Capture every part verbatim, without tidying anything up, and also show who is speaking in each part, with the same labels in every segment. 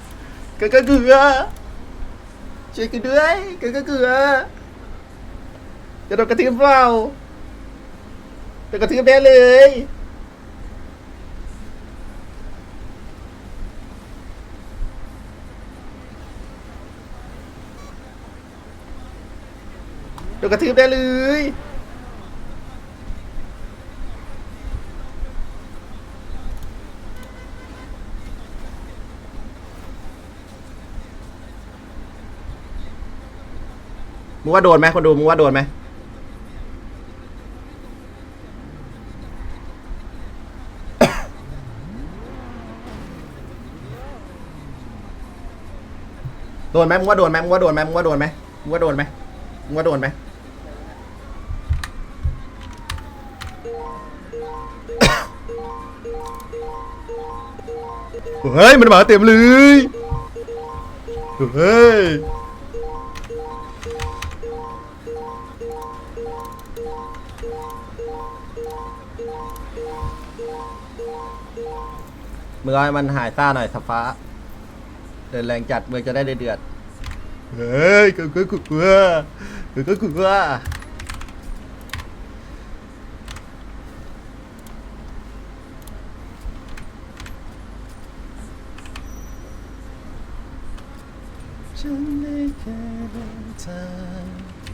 Speaker 1: เกลือเกลือเกลือช่วยกันด้วยเกลือเกลือเกลือจะโดนกระทืบเปล่าโดนกระทืบแน่เลยโดนกระทืบได้เลยมึงว่าโดนไหมคนดูมึงว่าโดนไหม โดนไหมมึงว่าโดนไหมมึงว่าโดนไหมมึงว่าโดนไหมมึงว่าโดนไหมมึงว่าโดนไหมเฮ้ยมันมาเต็มเลยเฮ้ยเมื่อให้มันหายซ่าหน่อยสับฟ้าเดินแรงจัดเมื่อจะได้เดือดเฮ้ยกูกูกูกูกูกูกูกูฉันได้แค่เดินทาง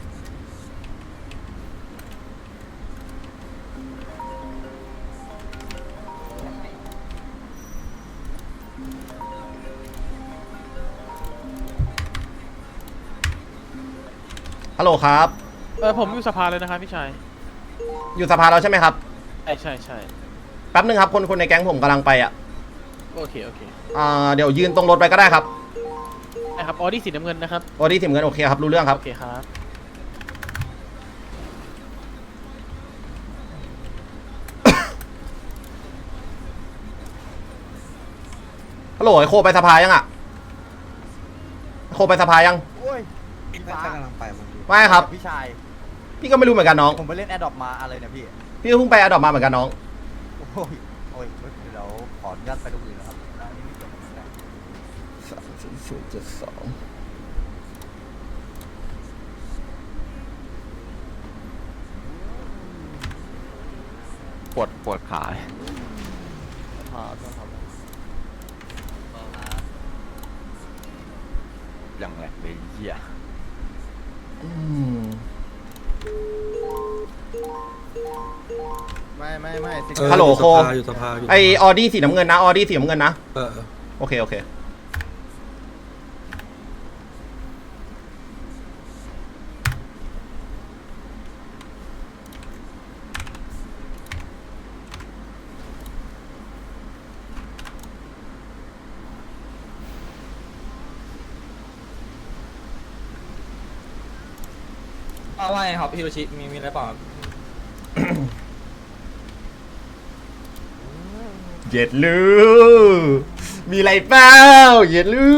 Speaker 1: ฮัลโหลครับ
Speaker 2: เออผมอยู่สภาเลยนะครับพี่ชาย
Speaker 1: อยู่สภาเราใช่ไหมครับ
Speaker 2: ใช่ใช่ใช่
Speaker 1: แป๊บนึงครับคนคนในแก๊งผมกำลังไปอ่ะ
Speaker 2: โอเคโอเค
Speaker 1: อ่าเดี๋ยวยืนตรงรถไปก็ได้ครับ
Speaker 2: นะครับออดี้สีน้ำเงินนะครับ
Speaker 1: โอ้ดีถึงเงินโอเคครับรู้เรื่องครับ
Speaker 2: โอเคครับ
Speaker 1: ฮัลโหลไอโคไปสภายังอ่ะโคไปสภายัง
Speaker 3: โอ้ยพี่ฟ้ากำลังไปมันดู
Speaker 1: ไม่ครับ
Speaker 3: พี่ชาย
Speaker 1: พี่ก็ไม่รู้เหมือนกันน้อง
Speaker 3: ผมไปเล่นแอดดอปมาอะไรเนี่ยพี่
Speaker 1: พี่ก็เพิ่งไปอดอปมาเหมือนกันน้อง
Speaker 3: โอ้ย โอ้ยเดี๋ยวขออนุญาตไปตรงอื่นนะครับอันนี้ไม่เกี่ยวกับผมนะ
Speaker 1: สามศูนย์ศูนย์เจ็ดสอง
Speaker 4: ปวดปวดขา
Speaker 3: พอต้องทำ
Speaker 4: อย่างแหลกเลยเหี้ย
Speaker 1: อืม
Speaker 3: ไม่ไม่ไม่สิ
Speaker 1: ฮัลโหลโค
Speaker 5: อยู่สภาอยู่สภา
Speaker 1: ไอออดี้สีน้ำเงินนะออดี้สีน้ำเงินนะ
Speaker 5: เออเออ
Speaker 1: โอเคโอเค
Speaker 6: ว่าไงครับฮิโรชิมีมีอะไรเปล่าครับ
Speaker 1: เย็ดลูมีอะไรเปล่าเย็ดลู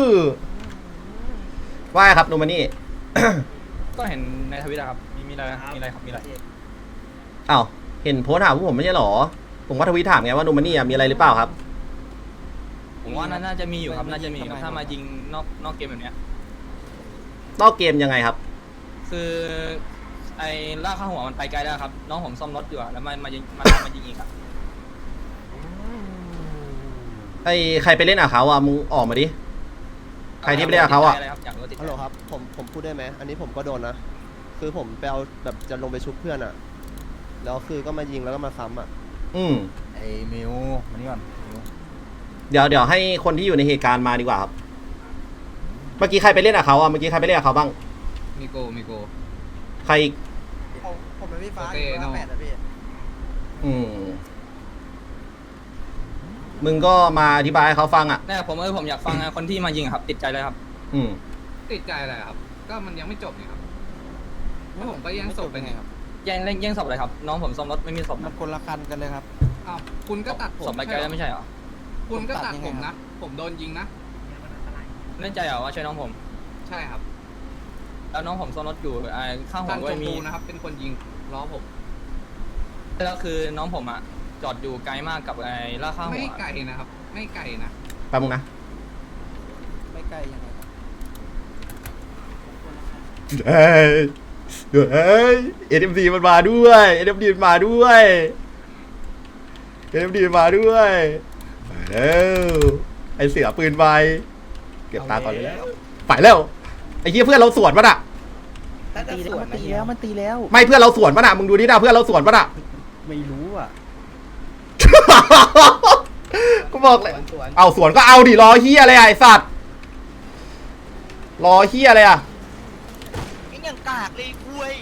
Speaker 1: ว่าไงครับนูมานี่
Speaker 6: ก็เห็นในทวิตอะครับมีมีอะไรมีอะไรครับมีอะไร
Speaker 1: อ้าวเห็นโพสต์ถามพวกผมไม่ใช่หรอผมก็ทวีตถามไงว่านูมานี่อะมีอะไรหรือเปล่าครับ
Speaker 6: ผมว่าน่าจะมีอยู่ครับน่าจะมีอยู่ถ้ามายิงนอกนอกเกมแบบเนี้ย
Speaker 1: นอกเกมยังไงครับ
Speaker 6: คือไอ้ล่ากข้าหัวมันไปไกลแล้วครับ น้องผมซ่อมรถอยู่อะแล้วมันมายิงมันมายิงอีกอะ
Speaker 1: ไอ้ใครไปเล่นอ่ะเขาอ่ะมึงออกมาดิ ใครที่ไปเล่นกับเขาอ่ะ
Speaker 6: ไรครับอยากรู้ว่าติดใจ
Speaker 7: ฮัลโหลครับ ผม ผมพูดได้ไหม อันนี้ผมก็โดนนะ คือผมไปเอาแบบจะลงไปชุบเพื่อนอะแล้วคือก็มายิงแล้วก็มาซ้ำอะ
Speaker 1: อืม
Speaker 3: ไอ้มิวมานี่ก่อนมิว
Speaker 1: เดี๋ยวเดี๋ยวให้คนที่อยู่ในเหตุการณ์มาดีกว่าครับ เมื่อกี้ใครไปเล่นกับเขาอ่ะ เมื่อกี้ใครไปเล่นกับเขาบ้าง
Speaker 8: มีโกมีโก
Speaker 1: ใครอีก
Speaker 3: ผมผมเป็นพี่ฟ้า
Speaker 8: โอเค
Speaker 3: อยู่
Speaker 8: เนอะ
Speaker 3: แปดอะพี่
Speaker 1: อืม มึงก็มาอธิบายให้เขาฟังอ่ะ
Speaker 6: แต่ผมเออผมอยากฟังคนที่มายิงอะครับ ติดใจเลยครับ
Speaker 1: อืม
Speaker 8: ติดใจอะไรครับ ก็มันยังไม่จบนี่ครับแล้วผมก็แย่งศพไปไงครับ
Speaker 6: แย่งเล่นแย่งศพอะไรครับ น้องผมซ่อมรถไม่มีศพ
Speaker 3: มั
Speaker 6: นะ
Speaker 3: นคนละคันกันเลยครับ
Speaker 8: อ้าว คุณก็ตัดผม
Speaker 6: ศพไปไกลแล้วไม่ใช่เหรอ
Speaker 8: คุณก็ตัด
Speaker 3: ผมตัดยัง
Speaker 8: ผ
Speaker 3: ไง
Speaker 8: ม
Speaker 3: ครั
Speaker 8: นะ
Speaker 3: บ
Speaker 8: ผมโดนยิงนะ
Speaker 6: แน่ใจเหรอว่าช่วยน้องผม
Speaker 8: ใช่ครับ
Speaker 6: แล้วน้องผมซ่อมรถอยู่ไอ้ข้างหั
Speaker 8: ทาว ง
Speaker 6: ก็
Speaker 8: ชม
Speaker 6: มี
Speaker 8: พูนะครับ เป็นคนยิงล้อผม
Speaker 6: แล้วคือน้องผมอ่ะจอดอยู่ไกลมากกับไอ้ล่ากข้างหั
Speaker 8: ไม่
Speaker 6: ว
Speaker 8: ไกลนะครับ ไม่ไกลนะ
Speaker 1: แป๊บนึงนะ
Speaker 7: ไม่ใกล้ยังไง
Speaker 1: เฮ้ยเฮ้ยเอ็มดีมันมาด้วยเอ็มดีมันมาด้วยเอ็มดีมันมาด้วยไปแล้วไอเสือปืนไปเก็บตาก่อนเลยแล้วไปแล้วไอ้เหี้ยเพื่อนเราสวนปะน่ะ
Speaker 7: ตีแล้วมันตีแล้วมันตีแล้ว
Speaker 1: ไม่เพื่อนเราสวนปะน่ะมึงดูดินะเพื่อนเราสวนปะน่ะ
Speaker 7: ไม่รู้อ่ะ
Speaker 1: ก็บอกเลยเอาสวนก็เอาดิรอเฮียอะไรอ่ะไอสัตว์รอเฮียอะไรอ่ะ
Speaker 3: ยังกากเลยคุย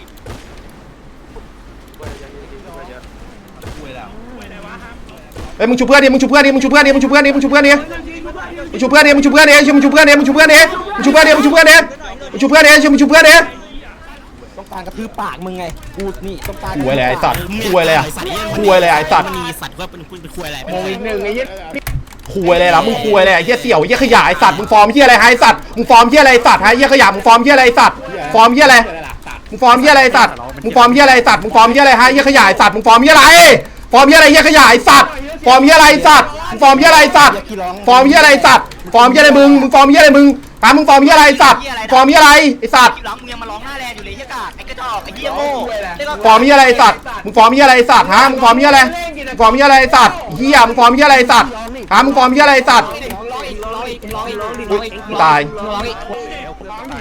Speaker 1: เฮ้ยมึงชูเพื่อนดิมึงชูเพื่อนดิมึงชูเพื่อนดิมึงชูเพื่อนดิมึงชูเพื่อนดิมึงชูเพื่อนดิมึงชูเพื่อนดิมึงชูเพื่อนดิมึงชูเพื่อนดิมึงชูเพื่อนดิมึงชูเพื่อนดิมึงชูเพื่อนดิมึงชูเพื่อนดิ
Speaker 7: ต้องการกระทืบปากมึงไงกูนี่ต้องการ
Speaker 1: คุยเลยไอสัตว์คุยเลยอ่ะคุยเลยไอสัตว์
Speaker 5: มีสัตว์ก็เป็นคุณเป็นคุยอะไร
Speaker 7: โมงอีกหนึ่งไอ้ยี่
Speaker 1: คุยเลยล่ะมึงคุยเลยไอ้เหี้ยเสี่ยวไอ้เหี้ยขยะไอสัตว์มึงฟอร์มเหี้ยอะไรไอสัตว์มึงฟอร์มเหี้ยอะไรไอสัตว์ไอ้เหี้ยขยะมึงฟอร์มเหี้ยอะไรไอสัตว์ฟอร์มเหี้ยอะไรมึงฟอร์มเหี้ยอะไรไอสัตว์มึงฟอร์มเหี้ยอะไรไอสัตว์มึงฟอร์มเหี้ยอะไรฮะเหี้ยขยะไอสัตว์มึงฟอร์มเหี้ยอะไรฟอร์มเหี้ยอะไรเหี้ยขยะไอสัตว์ฟอร์มเหี้ยอะไรไอสัตว์มึงฟอร์มเหี้ยอะไรไอสัตว์ฟอร์มเหี้ยอะไรไอสัตว์ฟอร์มเหี้ยอะไรมึงมึงฟอร์มเหี้ยอะไรมึงตามมึงฟอร์มเหี้ยอะไรไอสัตว์ฟอร์มเหี้ยอะไรไอสัตว์
Speaker 3: หลังมึงยังมาร้องหน้าแลอยู่เลยไอ้กากไอ้กระจอกไอ้เหี้ยโง่
Speaker 1: ฟอร์มเหี้ยอะไรไอสัตว์มึงฟอร์มเหี้ยอะไรไอสัตว์ฮะมึงฟอร์มเหี้ยอะไรมึงฟอร์มเหี้ยอะไรไอสัตว์เหี้ยมึงฟอร์มเหี้ยอะไรไอสัตว์ฮะมึงฟอร์มเหี้ยอะไรไอสัตว์
Speaker 6: ร้องอีกร้องอีกร้องอีกร้องอีก
Speaker 1: อุ๊ยกูตาย
Speaker 6: ร้องอีก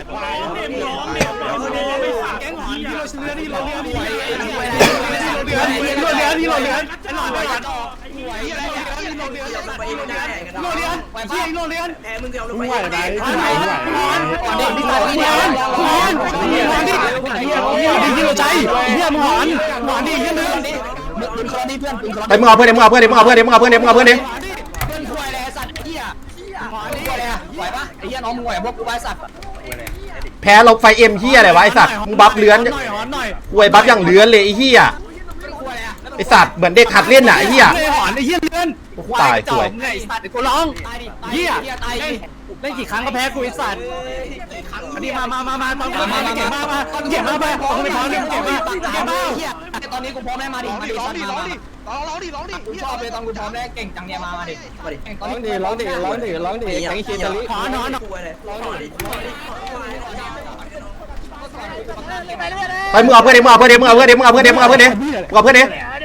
Speaker 1: ไปมึงเอาเพื่อนดิมึงเอาเพื่อนดิมึงเอาเพื่อนดิมึงเอาเพื่อนดิมึงเอาเพื่อนดิ
Speaker 6: เพื่อนคุยอะไรสัตว์ไอ้เหี้ยหอนคุยอะไรอะไหวปะไอ้เหี้ยน้องมึงไหวพวกกูไหวสัตว์
Speaker 1: แพ้ลบไฟเอ็มเฮียอะไรวะไอสัตว์มึงบัฟเลื้อนควยบัฟอย่างเลื้อนเลยไอเฮียไอสัตว์เหมือนเด็กหัดเล่นน่ะไอเฮีย
Speaker 7: หอนไอ้เหี้ยเลื่อน
Speaker 1: ตายสวย
Speaker 7: ไอ้สัตว์กูร้อง
Speaker 6: ตายดิ
Speaker 7: เหี้ย
Speaker 6: ตายดิ
Speaker 7: เล่นกี่ครั้งก็แพ้กูไอ้สัตว์อันนี้มามามามามามามาเก่งมากมาเก่งมากมาออกไปพร้อมเลยเก่งมากเก่งมาก
Speaker 6: เหี้ยตอนนี้กูพร้อมแล้วมาดิมาดิร้องดิร้องดิร้องดิร้องดิกูชอบเลยตอนกูพร้อมแล้วเก่งจังเนี่ยมามาดิมาดิตอนนี้
Speaker 7: ร้องดิร้องดิร้องดิแก๊งเชียร์ตะลิหอนหอน
Speaker 1: ไปมึงเอาเพื่อนดิมึงเอาเพื่อนดิมึงเอาเพื่อนดิมึงเอาเพื่อนดิมึงเอาเพื่อนดิมึงเอาเพื่อนดิ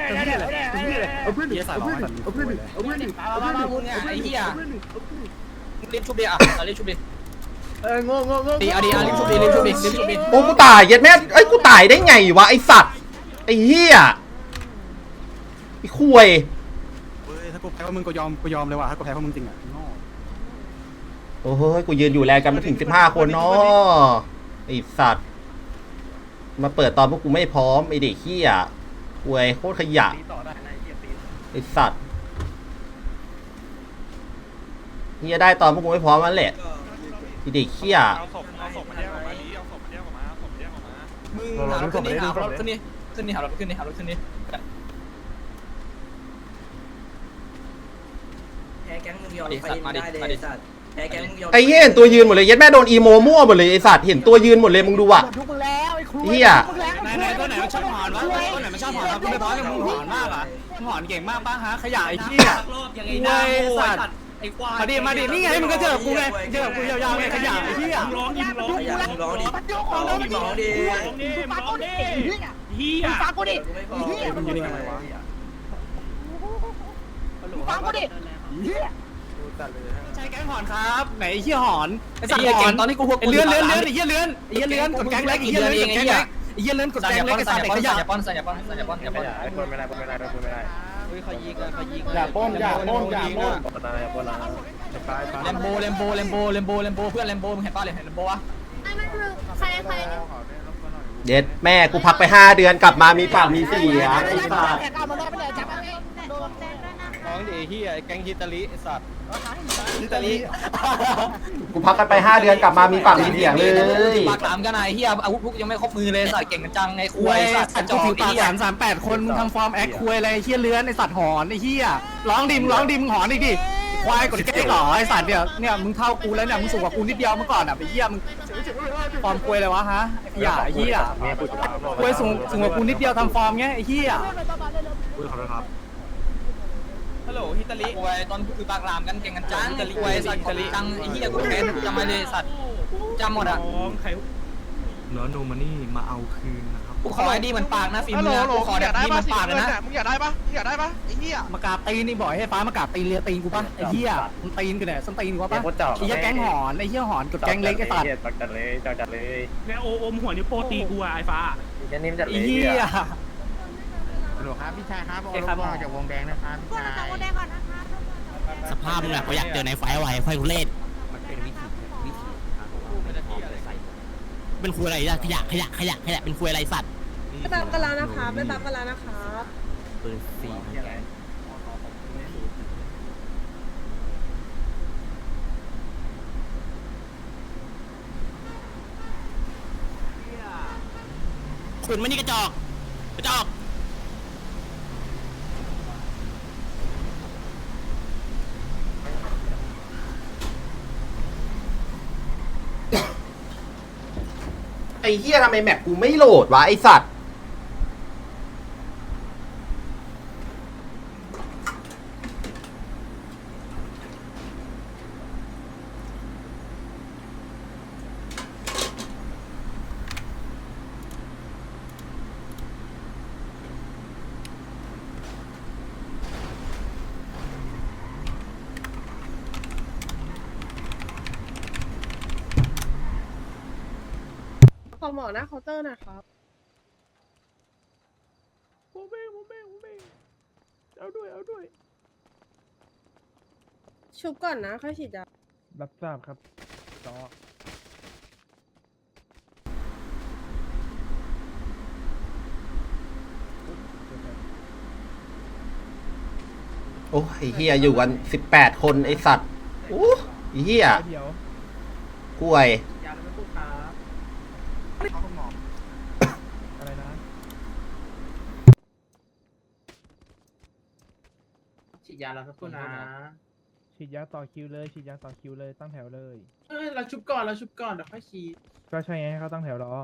Speaker 6: มามาพูดเนี่ยไอ้เหี้ยรีบชุบดิอ่ะรีบชุบดิเอองงงงดีอ่ะดีอ่ะรีบชุบดิรีบชุบดิรีบชุบดิ
Speaker 1: โอ้กูตายเย็ดแม่ไอ้ยกูตายได้ไงวะไอสัตว์ไอเฮียไอควย
Speaker 9: ถ้ากูแพ้ว่ามึงก็ยอมกูยอมเลยว่ะถ้ากูแพ้ว่ามึงจริงอ่ะ
Speaker 1: โอ้โหกูยืนอยู่แลกันไม่ถึงสิบห้าคนเนาะไอสัตว์มาเปิดตอนพวกกูไม่พร้อมไอเด็กเฮียควยโคตรขยะไอสัตว์เฮียได้ตอนพวกกูไม่พร้อมนั่นแหละไอเด็กเฮีย
Speaker 6: มึงหารถขึ้นนี่หารถขึ้นนี่ขึ้นนี่หารถขึ้นนี่หารถขึ้นนี่
Speaker 3: แพ้แก๊งมึงยอมไปได้เลยไอ้สัตว์แพ้แก๊งมึงยอม
Speaker 1: ไอ้เหี้ยเห็นตัวยืนหมดเลยเย็ดแม่โดนอีโมมั่วหมดเลยไอสัตว์เห็นตัวยืนหมดเลยมึงดูอ่ะเฮีย
Speaker 7: ไหนไหนตัวไหนมันชอบหอนวะตัวไหนมันชอบหอนวะกูไม่ร้องเลยมึงหอนมากอ่ะมึงหอนเก่งมากป้าฮะขยะไอ้เหี้ย
Speaker 3: ยังไงหน้าสัตว์ไอ้ควาย
Speaker 7: มาดิมาดินี่ไงมึงก็เจอกูไงเจอกูยาวๆไงขยะไอ้เหี้ย
Speaker 3: ร้องดิร้องดิร้องดิร้องดิร้องดิฟังกูดิเฮียฟังกูดิเฮียมึงยืนยังไงวะฟังกูดิเฮีย
Speaker 7: ใช้แก๊งหอนครับไหนไอ้เหี้ยหอนไอ้
Speaker 6: ไอ้
Speaker 7: สัตว์
Speaker 6: เหี้ย
Speaker 7: ห
Speaker 6: เก่
Speaker 7: อง น
Speaker 6: ตอนนี้กูหก
Speaker 7: ไอ้เลื่อนเลื่อนเลื่อนไอ้เหี้ยเลื่อนไอ้เหี้ยเลื่อนกดแก๊งเล็กไอ้เหี้ยเลื่อนกดแก๊งเล็กไอ้เหี้ยเลื่อนกด
Speaker 6: สัญ
Speaker 7: แก๊ง
Speaker 6: ญา
Speaker 7: เล็
Speaker 6: ป้
Speaker 7: ก
Speaker 6: อน
Speaker 7: ไอ้
Speaker 6: สั
Speaker 7: สั
Speaker 6: ญ
Speaker 7: ตว์
Speaker 6: ญา
Speaker 7: ไอ้
Speaker 6: ป้อน
Speaker 7: ข
Speaker 6: สัญ
Speaker 7: ยะ
Speaker 6: ญาป้อนสัญญาป้อนสัญญาป้อนอย่าป้อน
Speaker 7: อย่าป้นอย่าป้นอย่าป้น
Speaker 6: เลมโบเลมโบเลมโบเลมโบเลมโบเพื่อนเลมโบมึงเห็นป่ะเลยเห็นเลมโบวะ
Speaker 10: ไม่มันคือใครใคร
Speaker 1: เย็ดแม่กูพักไปห้าเดือนกลับมามีปากมีเสียงไอ้สัตว์
Speaker 10: โดนแจ้งด้วยนะ
Speaker 7: ร้องดิเหี้ยแก๊งฮิตาลิไอ้สัตว์
Speaker 6: อิตาลี
Speaker 1: กูพักกันไปห้าเดือนกลับมามีปากมีเสียงเลย
Speaker 6: ปากหลามกันไอ้เหี้ยอาวุธพวกยังไม่ครบมือเลยสัตว์เก่งกันจังไอ้คุ
Speaker 7: คุ
Speaker 6: ย
Speaker 7: ย
Speaker 6: สั
Speaker 7: สั
Speaker 6: ต
Speaker 7: ต
Speaker 6: ว์
Speaker 7: ว์
Speaker 6: กระจ
Speaker 7: กู
Speaker 6: อก
Speaker 7: ถือ
Speaker 6: ไอ้
Speaker 7: ปาก
Speaker 6: เหี้ย
Speaker 7: สามสามแปดคนมึงทำฟอร์มแอคคุยอะไรไอ้เหี้ยเลื้อนไอ้สัตว์หอนไอ้เหี้ยร้องดิมร้องดิมหอนอีกดิค
Speaker 9: ควายกดเก๊กเหรอไอสัตว์เนี่ยเนี่ยมึงเท่ากูแล้วเนี่ยมึงสูงกว่ากูนิดเดียวเมื่อก่อนอ่ะไปเยี่ยมึงฟอร์มควยเลยวะฮะไอ้เหี้ยไอ้เหี้ยควยสูงสูงกว่ากูนิดเดียวทำฟอร์มเงี้ยไอ้เหี้ย
Speaker 6: ฮัลโหลฮิตาลิควยตอนคือบางรามกันเก่งกันจังฮิตาลิควยสัตว์จังไอ้เหี้ยกูแค้นจำมาเลยสัตว์จำหมดอ่ะ
Speaker 9: แล้วโนมานี่มาเอาคืนนะครับ
Speaker 6: กูขอไอ้ดีมันปากนะฟิล์มเนี่ยกูขอแบบดีมันปากเลยนะ
Speaker 3: มึงอยากได้ปะมึงอยากได้ปะไอ้เหี้ย
Speaker 9: มากราบตีนนี่บ่อยให้ฟ้ามากราบตีนเลียตีนกูปะไอ้เหี้ยมึงตีนกูเนี่ยส้นตีนกูปะไอ้เหี้ยแก๊งหอนไอ้เหี้ยหอนกดแก๊งเล็กไอ้สัตว์
Speaker 4: จัดเลยจัดเลย
Speaker 3: แม่โออมหัวนิ้วโป้ตีกูอ่ะไอ้ฟ้า
Speaker 4: จะนิ่มจัดเล
Speaker 9: ไอ้
Speaker 4: ย
Speaker 9: เหี้ย
Speaker 5: ฮัลโหลครับพี่ชายครับเอาลงมาจากวงแดงนะครับพี่ชาย
Speaker 10: สภาพมึงอะเขาอยากเจอในไฟไวไฟกูเล่น
Speaker 5: มันเป็นวิธีวิธี
Speaker 10: เป็นคุยอะไรอะขยะขยะขยะขยะเป็นคุยอะไรสัตว์ไม่ตามกันแล้วนะครับไม่ตามกันแล้วนะครับ
Speaker 5: ปืนสี่
Speaker 10: ขุนมันนี่กระจอกกระจอก
Speaker 1: ไอ้เหี้ยทำไมแมปกูไม่โหลดวะไอ้สัตว์
Speaker 10: ขอหมอหน้าเคาน์เตอร์นะครับ
Speaker 2: โมเบ้โมเบ้โมเบ้เอาด้วยเอาด้วย
Speaker 10: ชุบก่อนนะค่อยฉีดยา
Speaker 9: รับทราบครับจอ
Speaker 1: โอ้ไอ้เหี้ยอยู่กันสิบแปดคนไอ้สัตว์โอ้ไอ้เหี้ยกล้วย
Speaker 9: อะไรนะ
Speaker 5: ฉีดยาแล้วครับคุณนะ
Speaker 9: ฉีดยาต่อคิวเลยฉีดยาต่อคิวเลยตั้งแถวเลย
Speaker 3: เออเราชุบก่อนเราชุบก่อนเดี๋ยวค่อยฉีด
Speaker 9: ก็ใช่ไงให้เขาตั้งแถวรอ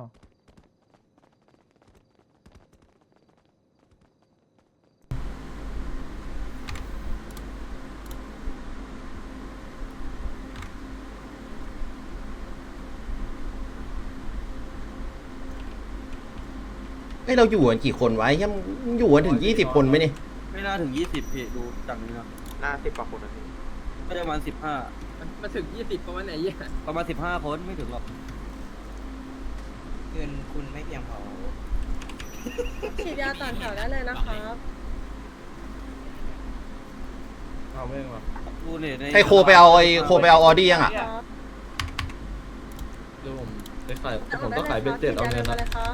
Speaker 1: ไอ้ยเราอยู่กันกี่คนวะไอ้เหี้ยมึงอยู่กันถึงยี่สิบคนไหมนี่
Speaker 3: ไม่น่าถึงยี่สิบพี่ดูจากนี้นะ
Speaker 4: หน้าสิบกว่าคนนะพี่
Speaker 3: ก็จะประมาณสิบห้า
Speaker 6: มาถึงยี่สิบประมาณไหนยี่
Speaker 3: ประมาณสิบห้าคนไม่ถึงหรอก
Speaker 6: เงินคุณไม่เพียงพอ
Speaker 10: ฉีดยาต่อแถวได้เลยนะครับ
Speaker 4: เอาไม่มา
Speaker 3: ดูเนี่ยใน
Speaker 1: ให้โคไปเอาไอ้โคไปเอาออดี้ยังอ่ะ
Speaker 10: ครับ
Speaker 4: เดี๋ยวผมไปขายผมก็ขายเบ็ดเจ็ดเอาเงิน
Speaker 10: ฉี
Speaker 4: นะ
Speaker 10: ยาเลยครับ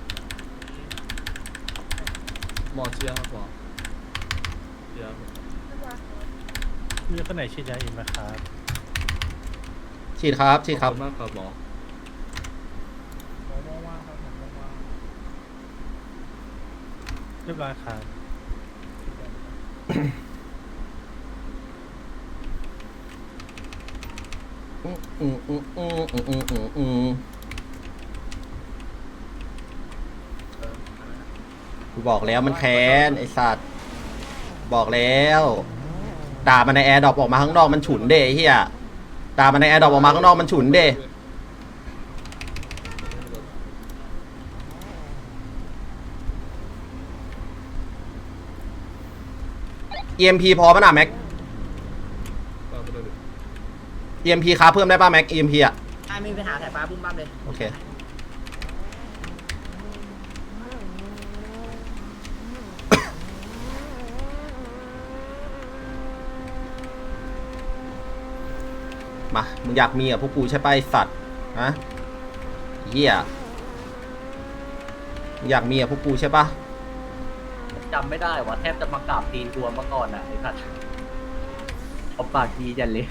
Speaker 4: หมอเชียร์ครับหมอเชียร์
Speaker 2: มีคนไหนฉีดยาอีกไหมครับ
Speaker 1: ฉีดครับฉีดครับ
Speaker 4: ขอณมากครับหมอ
Speaker 2: เรียบร้อยครับ
Speaker 1: อืมอืมอืมอืมอืมอืมอืมอืมกูบอกแล้วมันแค้นไอ้สัตว์บอกแล้วด่ามันในแอร์ดรอปออกมาข้างนอกมันฉุนเด้ไอ้เฮียด่ามันในแอร์ดรอปออกมาข้างนอกมันฉุนเด้ อี เอ็ม พี พอป่ะน่ะแม็ก อี เอ็ม พี ค้าเพิ่มได้ป่ะแม็ก อี เอ็ม พี อ่ะ
Speaker 6: ไม่มีปัญหาสายฟ้าบุ้มบ้ามเลย
Speaker 1: โอเคมามึงอยากมีอ่ะพวกกูใช่ป่ะไอ้สัตว์ฮะเหี้ยมึงอยากมีอ่ะพวกกูใช่ป่ะ
Speaker 6: จำไม่ได้ว่าแทบจะมากราบตีนตัวมาก่อนอ่ะไอ้สัตว์เอาปากดีจันเลย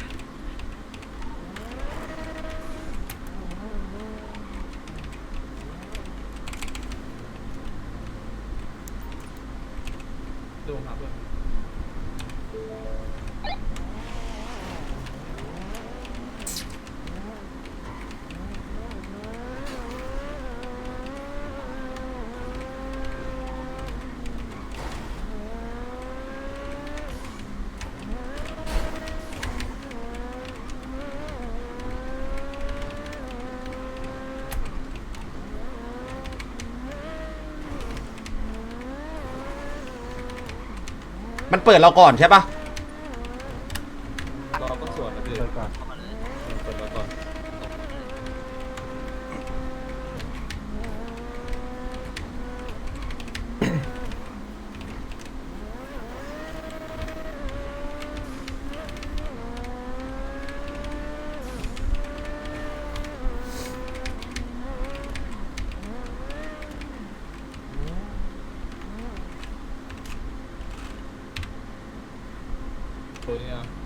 Speaker 4: ดูครับ
Speaker 1: มันเปิดเราก่อนใช่ปะ
Speaker 4: รอก็ส่วนนะพี่เปิดก่อนเปิดมาก่อน ตัวนี้อ่ะ